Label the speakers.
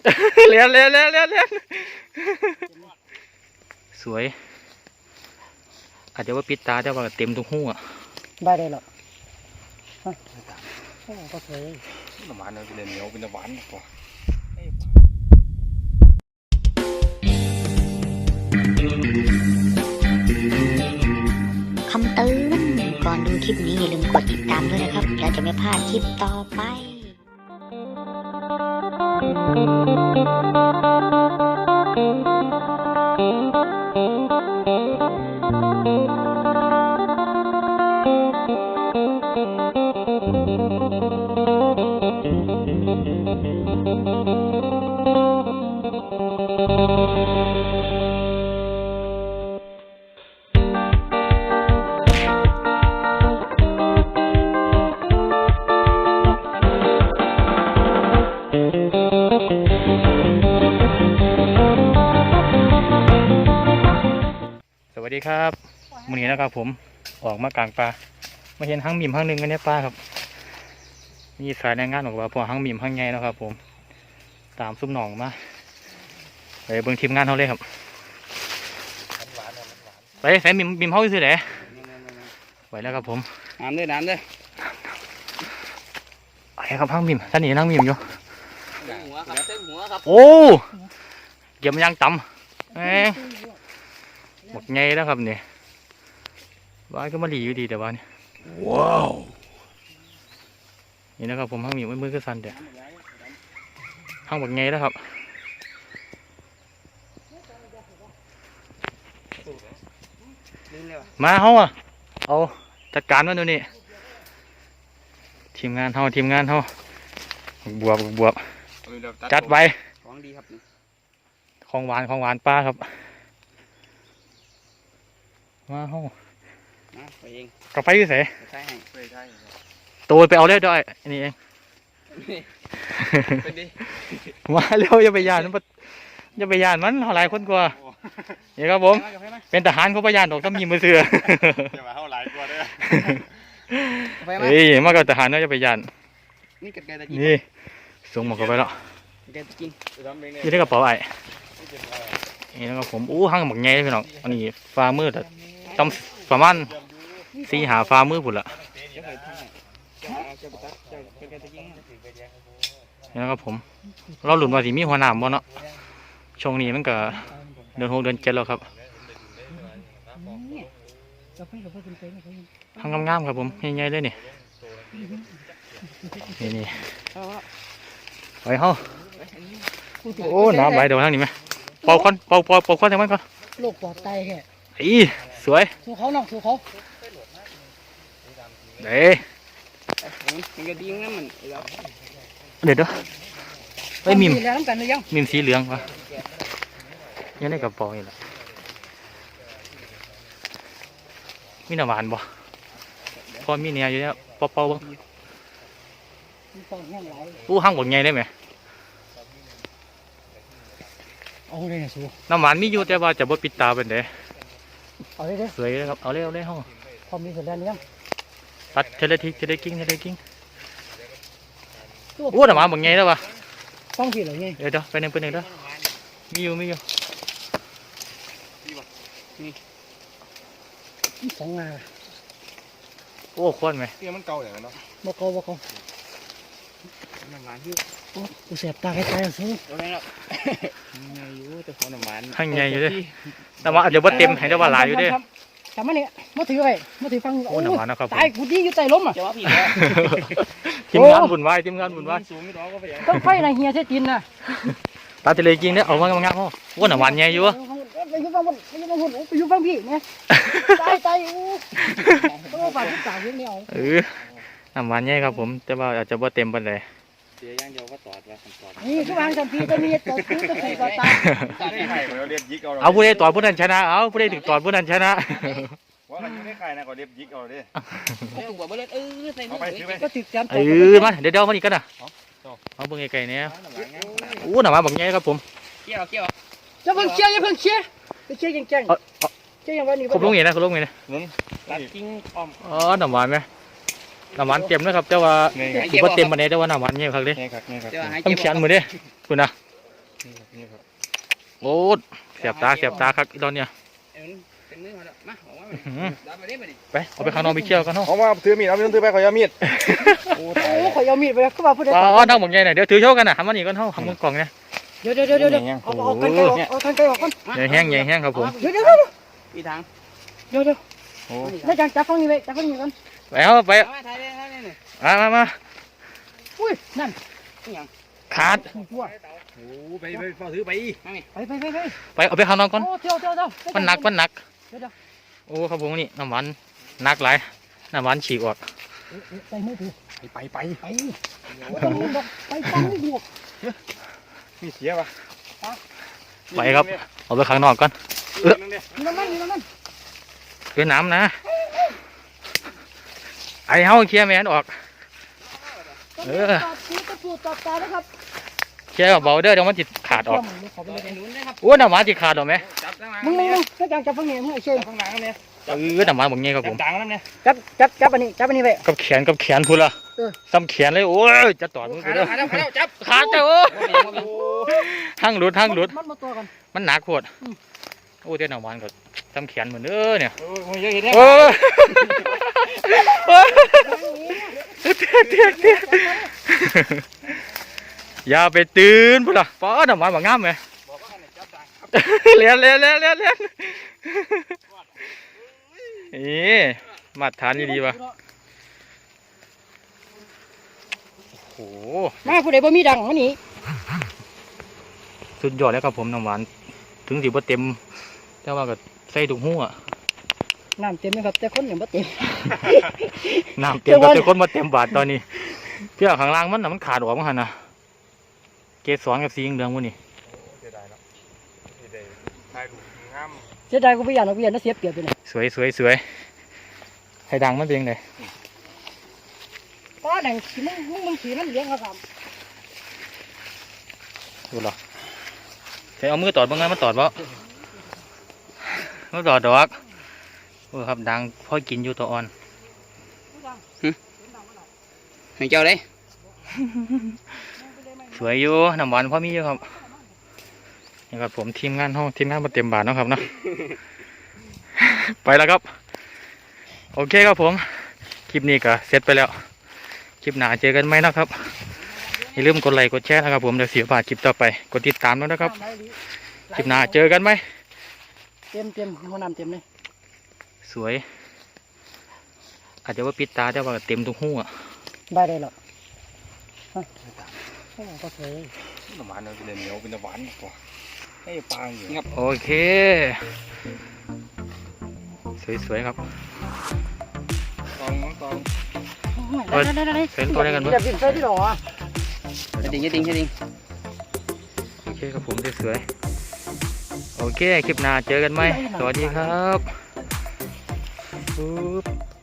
Speaker 1: เลี้ยนสวยอาจจะว่าปิดตาแต่ว่าเต็มทุกหัว
Speaker 2: ได้เลยหรอก็สวย
Speaker 3: น้ำมันเนี่ยเป็นเหนียวเป็นน้ำหวานกว่า
Speaker 4: คำเตือนก่อนดูคลิปนี้อย่าลืมกดติดตามด้วยนะครับแล้วจะไม่พลาดคลิปต่อไป
Speaker 1: สวัสดีครับมื้อนี้นะครับผมออกมากลางป่ามาเห็นหั่งหมิ่มหั่งหนึ่งกันในป่าครับมีสายแรงงานบอกว่าพอหั่งหมิ่มหั่งใหญ่นะครับผมตามซุ่มหนองมาไปเบิ่งทีมงานเขาเลยครับไปใส่หมิ่มเขาซื้อไหนไปแล้วครับผม
Speaker 3: น้ำด้วย
Speaker 1: ไปครับหั่งหมิ่มท่านนี่นั่งหมิ่มอยู่
Speaker 3: เส้นหัวครับ
Speaker 1: โอ้เกี่ยมยางต่ำหมดไงแล้วครับเนี่ยบ้านก็มาหลีอยู่ดีแต่ว่านี่ว้าวนี่นะครับผมหั่งหมิ่มมือก็สั่นเดี๋ยวหั่งหมดไงแล้วครับมาเฮาอ่ะเอาจัดการมันดูนี่ทีมงานเฮาบวบจัดไว้
Speaker 3: ของดีครับ
Speaker 1: ของหวานป้าครับมาเฮา
Speaker 3: ไปเอง
Speaker 1: กาแฟอยู่ไหน
Speaker 3: ใช่
Speaker 1: ตัวไปเอาเร็วด้วยนี่เองมาเร็วอย่าไปยานมันหลายคนกว่านี่ครับผมเป็นทหารเขาพยานดอกต้องมีมือเสือ
Speaker 3: อย่ามาเท่าหลายกว่าด้วย
Speaker 1: เฮ้ยมากับทหารเนาะอย่าไปยาน
Speaker 3: นี่
Speaker 1: ส่งหมดเข้าไปแล้วยี่ได้กระเป๋าไอ้นี่นะครับผมหั่งหมกไงพี่น้องอันนี้ฟ้ามืดต้องประมาณ4 หาฟ้ามืดผุดละนี่นะครับผมเราหลุดมาสิมีหัวหนามบ่เนาะช่วงนี้มันก็เดือน 6 เดือน 7แล้วครับหั่งงามๆครับผมใหญ่ๆเลยนี่ไปเฮาโอ้น้ำไหลเดี๋ยวทางนี้ไหมเป่าควันทางมันก่อน
Speaker 2: โลกปลอดภัยแค่
Speaker 1: สวย
Speaker 2: สู้เขาน้องสู้เขา
Speaker 1: เด้เดี๋ยวไอ้มิมสีเหลืองวะยังได้กระป๋องอีกแล้วมีน้ำหวานบ่พอมีเนี่ยอยู่เนี่ยเป่าบ้างหั่งหมดไงได้ไหมน้ำหวานมีอยู่แต่ว่าจะบ่ปิดตาเป็นเด้สวยเลยครับเอาเลยห้อง
Speaker 2: พอมีเสร็จแล้วเนี่ย
Speaker 1: ตัดเทเลกิ้งโอ้น้ำหวานหมดไงแล้ววะ
Speaker 2: ต้องผิดหรือไง
Speaker 1: เดี๋ยวไปหนึ่งเด้อมีอยู่
Speaker 2: นี่2 งา
Speaker 1: โอ้ควันไหม
Speaker 3: เนี่ยมันเก่าอย่างนั้นเนาะ
Speaker 2: บ่เก่า
Speaker 3: น้ำมันที่
Speaker 2: โอ้กูเสียบตาใกล้ๆซื้อ
Speaker 3: โดนแล้วอยู่แต่ของน้ำมัน
Speaker 1: หั่งไงอยู่ด้วยน้ำหวานอาจจะบ่เต็มให้ได้ว่าหลายอยู่ด้วย
Speaker 2: ทำมาเนี่ยมาถือไปมาถือฟัง
Speaker 1: โอ้น้ำหวานนะครับ
Speaker 2: ตายกูดีอยู่ใจล้มอ่ะ
Speaker 1: ทีมงานบุญไหว
Speaker 2: ต้องไฟนะเฮียเสียจินนะ
Speaker 1: ตาทะเลกิ้งเนี่ยเอามางามๆโอ้น้ำหวานไงอยู่วะ
Speaker 2: ไปอยู่ฟังพี่เนี่ยตายต้องฝากทุกสาวเรื่องนี้เอา
Speaker 1: น้ำหวานไงครับผมแต่ว่าอาจจะบ่เต็มปานใด
Speaker 3: เสียย่างเดียวก็ตอด
Speaker 2: นี่คือวางจำปีจะมีตัวคือจะคือตา
Speaker 1: เอาผู้ใดตอดผู้นั้นชนะเอาผู้ใดถึงตอดผู้นั้นชนะ
Speaker 3: ว่ามันอยู่ในไข่นะก็เรียบยิกเอาดิ
Speaker 2: ก็ติดจ
Speaker 1: ำมาเดี๋ยวมันอีกกันนะเอาเบิ่งไก่เนี่ยโอ้หน่ามาบอกไงครับผม
Speaker 3: เกี่ยว
Speaker 2: อย่าเพิ่งเชี่ยแกงอย่างวันนี้
Speaker 1: ครบลงเงี้ยนะ
Speaker 3: ตัดกิ้งอ้อม
Speaker 1: น้ำหวานไหมน้ำหวานเต็มนะครับแต่ว่าถือว่าเต็มมาเนี่ยแต่ว่าน้ำหวานเงี้ยครับเด้ต้องเขียนมือเด้คุณนะ
Speaker 3: นี่ครับ
Speaker 1: โอ้เสียบตาครับอีตอนเนี้ย
Speaker 2: เป็นมือมาแล้วมาออกมา
Speaker 1: อื้อหือ
Speaker 2: ดับไปได้ไปดิ
Speaker 1: ไปเอาไปข้างนอกไปเคี่ยวกันเนาะ
Speaker 3: เอามาถือมีดเอาถือไปขอยามีดโอ้
Speaker 2: โอ้ข่อยเอามีดไปก็มาพูดได้
Speaker 1: อ๋อทั้งหมดไงเนี่ยเดี๋ยวถือโชว์กันนะทำมันนี่กันเท่าทำมือกล่องเนี่ย
Speaker 2: เดี๋ยวเอากันไกลออกเอากันไกลออกก่อน
Speaker 1: ใหญ่แห้งครับผม
Speaker 2: เดี๋ยวอีทางเดี๋ยว
Speaker 1: โอ้
Speaker 2: ได้จับฟังนี่เลยจับฟังนี่ก่อน
Speaker 1: ไปเอาไป
Speaker 2: มาถ่ายเลยถ่ายเลย
Speaker 1: มา
Speaker 2: อุ้ยนั่น
Speaker 1: ขาด
Speaker 2: ตัว
Speaker 3: โหไปฟ้าถือไป
Speaker 1: ไปเอาไปข้างนอกก่อน
Speaker 2: โอ้เที่ยว
Speaker 1: มันหนักโอ้ครับผมนี่น้ำหวานหนักหลายน้ำหวานฉีกออก
Speaker 2: ใส่มือถือ
Speaker 3: ไป
Speaker 2: ไปตั้งไม่บวก
Speaker 3: มีเสียปะ
Speaker 1: ไปครับเอาไปข้างนอกก่อน
Speaker 2: น้ำมัน
Speaker 1: เป็นน้ำนะไอ้เฮาเคลียร์แมนออก
Speaker 2: ตอบตานะครับ
Speaker 1: เคลียร์เบาเด้อเดี๋ยวมันจิตขาดออก
Speaker 2: ขอไปเลยนู้นนะครับ
Speaker 1: โอ้น้ำหวานจิตขาดออกไหม
Speaker 2: มึงถ้าจับฟังนี่มึงไอ้เชย
Speaker 3: ข้างหลังเนี่ย
Speaker 1: น้ำหวานแบบนี้ครับผม
Speaker 3: ดังนั่นเนี่ย
Speaker 2: จับอันนี้ไป
Speaker 1: กับแขนพูดละซ้ำแขนเลยโอ้ยจะต่อมือกูเด้อ
Speaker 2: จับ
Speaker 1: ขาดแต่โอ้หั่งหลุด
Speaker 2: มันมาตัวกัน
Speaker 1: มันหนักโคตรโอ้เจ้าน้ำหวานก็ซ้ำแขนเหมือนเด้อเนี่ย
Speaker 3: โอ้ยเยอะเห็นไหม
Speaker 1: โอ้เตี้ยอย่าไปตื่นพูดละป้าน้ำหวานแบบงามไหมเลี้ยนมาตรฐานดีๆวะโอ้โห
Speaker 2: มาผู้ใดบ่มีดังเขาหนี
Speaker 1: สุดยอดแล้วครับผมน้ำหวานถึงสิบ่เต็มแต่ว่าก็ใส่ถุงหู้อะ
Speaker 2: น้ำเต็มไหมครับแต่คนยังบ่เต็ม
Speaker 1: น้ำเต็มแต่คนมาเต็มบาทตอนนี้เพื่อข้างล่างมันน่ะมันขาดออกมั้งหันนะเกสรกับสีเหลืองๆพวกนี้
Speaker 3: เสียดายแล้วเสียดายถ่ายรูปงาม
Speaker 2: เสียดายกูไปอย่างเราเวียนน่าเสียเปรียบไปเลย
Speaker 1: สวยให้ดังมันเป็นยังไง
Speaker 2: ป้าดังขี่มึงขี่มันเลี้ยงเขาท
Speaker 1: ดูหรอใช้เอามือตอดบ้างไงมันตอดบ่มันตอดดอกโอ้ครับดังพอกินอยู่ตัวอ่อน
Speaker 2: ำให้เจ้าเลย
Speaker 1: สวยอยู่น้ำหวานพอมีอยู่ครับนี่ครับผมทีมงานมาเต็มบาทเนาะครับเนาะ ไปแล้วครับโอเคครับผมคลิปนี้ก็เสร็จไปแล้วคลิปหน้าเจอกันไหมนะครับอย่าลืมกดไลค์กดแชร์นะครับผมเดี๋ยวเสียบาทคลิปต่อไปกดติดตามด้วยนะครับคลิปหน้าเจอกันไหม
Speaker 2: เต็มหัวน้ำเต็มเลย
Speaker 1: สวยอาจจะว่าปิดตาแต่ว่าเต็มทุกหัว
Speaker 2: ได้หรอกก็สวย
Speaker 3: น้ำหวานเนี่ยเป็นเหนียวเป็นน้ำหวานกว่าให้ปางอยู่
Speaker 1: โอเคสวยๆครับ
Speaker 3: ตอง
Speaker 2: ได้
Speaker 1: เซ็นตัวได้กันมั้ย
Speaker 2: อย่าบินใส่ที่หรอ
Speaker 4: ดิ่ง
Speaker 1: โอเคครับผมสวยๆโอเคคลิปหน้าเจอกันไหมสวัสดีครับปุ๊บ